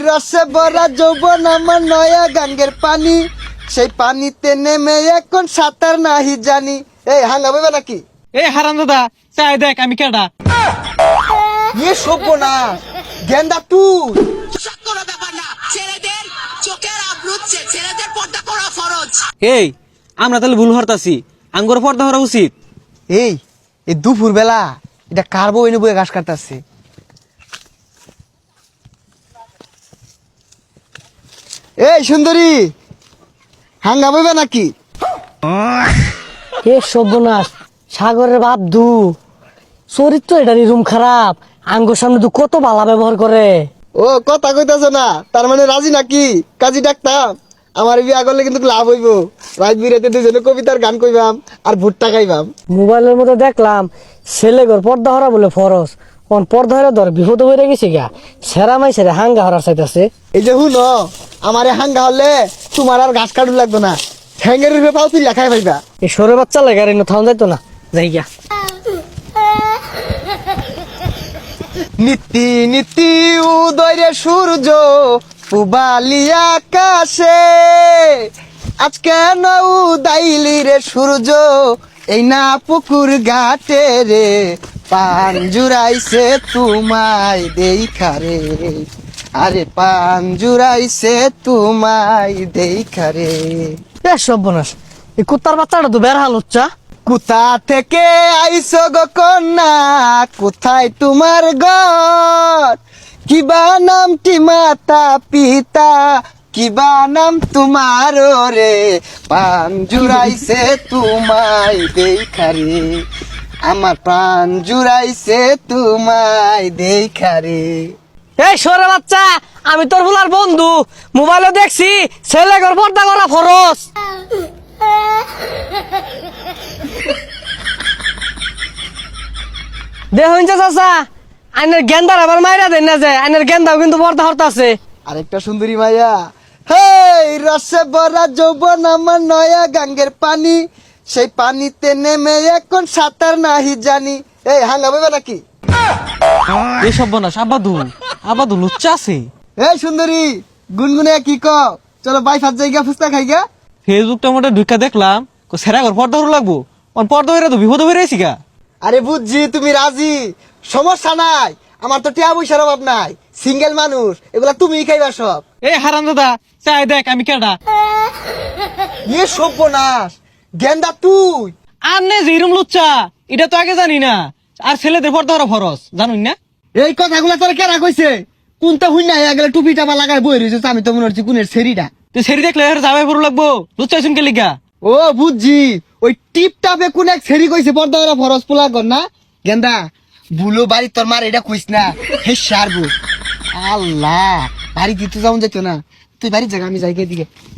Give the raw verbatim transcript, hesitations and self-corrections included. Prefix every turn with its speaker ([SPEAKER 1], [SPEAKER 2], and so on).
[SPEAKER 1] রসে ভরা যৌবন আমার নয়া গাঙ্গের পানি, সেই পানিতে নেমে এখন সাঁতার নাহি জানি। এই হাঙ্গা বইবে নাকি?
[SPEAKER 2] এই হারাম দাদা চাই দেখ আমি কেডা।
[SPEAKER 1] ইয়ে সভ্য না গেন্দা তুই।
[SPEAKER 3] কোনো ব্যাপার না, ছেলেদের চোখের আবরুচ্ছে, ছেলেদের পর্দা করা ফরজ।
[SPEAKER 2] এই আমরা তাহলে ভুল হরতাছি, আঙ্গুর পর্দা হরা উচিত।
[SPEAKER 1] এই এই দুপুর বেলা এটা কার বউ এনে বয়ে ঘাস কাটতেছে? এই সুন্দরী হাঙ্গা বইবে নাকি?
[SPEAKER 4] এ সর্বনাশ, সাগরের বাপ দু চরিত্র এটারই রুম খারাপ। আঙ্গুর সামনে দু কত বালা ব্যবহার করে।
[SPEAKER 1] ও কথা কইতাছ না, তার মানে রাজি নাকি? কাজী ডাকতাম, আমার বিয়া করলে কিন্তু লাভ হইব। রাত বিরাতে দুজনে কবিতার গান কইবাম আর ভুট্টা খাইবাম।
[SPEAKER 4] মোবাইলের মধ্যে দেখলাম ছেলে ঘর পর্দা হরা বলে ফরজ, কোন পর্দা হরা ধর বিপদ হয়ে গেছে গা। সেরা মাই সেরা হাঙ্গা হরার চাইতেছে।
[SPEAKER 1] এই যে হুন আমারে হাঙ্গা হলে তোমার আর ঘাস কাটু লাগতো না, ঠ্যাঙ্গের রূপে পাও তুই লেখাই পাইবা।
[SPEAKER 4] এই সরে বাচ্চা লাগে আর এনে থাউন যাইতো না, যাই গা।
[SPEAKER 1] নীতি নীতি উদয় সূর্য পুবালি আকাশে, আজকে না উদাইলি রে সূর্য এই না পুকুর ঘাটে রে, পান জুড়াইছে তোমায় দেখা রে, আরে পান জুড়াইছে তোমায় দেখা রে।
[SPEAKER 4] এ সর্বনাশ, এই কুত্তার বাচ্চাটা তো বের হাল হচ্ছা।
[SPEAKER 1] কোথা থেকে আইসো গো কন্যা, কোথায় তোমার ঘর, কিবা নামটি মাতা পিতা, কিবা নাম তোমার রে, পান জুড়াইছে তোমায় দেখা রে, আমার প্রাণ জুড়াইছে তোমায় দেখা রে।
[SPEAKER 4] এই সরে বাচ্চা, আমি তোর ভুলার বন্ধু, মোবাইলে দেখছি ছেলে ঘর পর্দা করা ফরজ। দেখুন চাচা, আইনের গেন্দার আবার মাইরা দেন না যে, আইনের গেন্দাও কিন্তু পর্দা হরতা আছে।
[SPEAKER 1] আরেকটা সুন্দরী মাইয়া, হেই রসে ভরা যৌবন আমার নয়া গাঙ্গের পানি, সেই পানিতে নেমে এখন সাঁতার নাহি জানি। এই হাঙ্গা বইবে নাকি?
[SPEAKER 2] এই সর্বনাশ আবাদু আবাদু লুচ্চা আছে।
[SPEAKER 1] এই সুন্দরী গুনগুনে কি কও, চলো বাই ফাত জায়গা ফুচকা খাইগা।
[SPEAKER 2] ফেসবুকটা মোটে ঢুকা দেখলাম সেরা ঘর পর্দা হরা লাগবো, অন পর্দা হইরা তো বিপদ হয়ে রয়েছি গা।
[SPEAKER 1] আরে বুঝছি তুমি রাজি, সমস্যা নাই, আমার তো টিয়া পয়সার অভাব নাই, সিঙ্গেল মানুষ, এগুলা তুমিই খাইবা সব।
[SPEAKER 2] এই হারাম দাদা চাই দেখ আমি কেডা।
[SPEAKER 1] ইয়ে সর্বনাশ গেন্দা তুই।
[SPEAKER 2] আর নে যেরম লুচ্চা এটা তো আগে জানি না, আর ছেলেদের পর্দা হরা ফরজ জানুন না।
[SPEAKER 1] এই কথাগুলা তোর কেরা কইছে? কোনটা হুই না গেলে টুপি টাপা লাগায় বই রয়েছে, আমি তো মনে হচ্ছে কোনের সেরিটা।
[SPEAKER 2] তুই সেরি দেখলে আর যাবে পড়ো লাগবো, লুচ্চা শুনকে লিগা।
[SPEAKER 1] ও বুঝছি, ওই টিপ টাপে কোন এক সেরি কইছে পর্দা ওরা ফরজ পোলা কর না। গেন্দা বুলো বাড়ি তোর মার এটা কইস না, হে সারবো। আল্লাহ বাড়ি দিতে যাও যেত না, তুই বাড়ির জায়গা আমি যাই দিকে।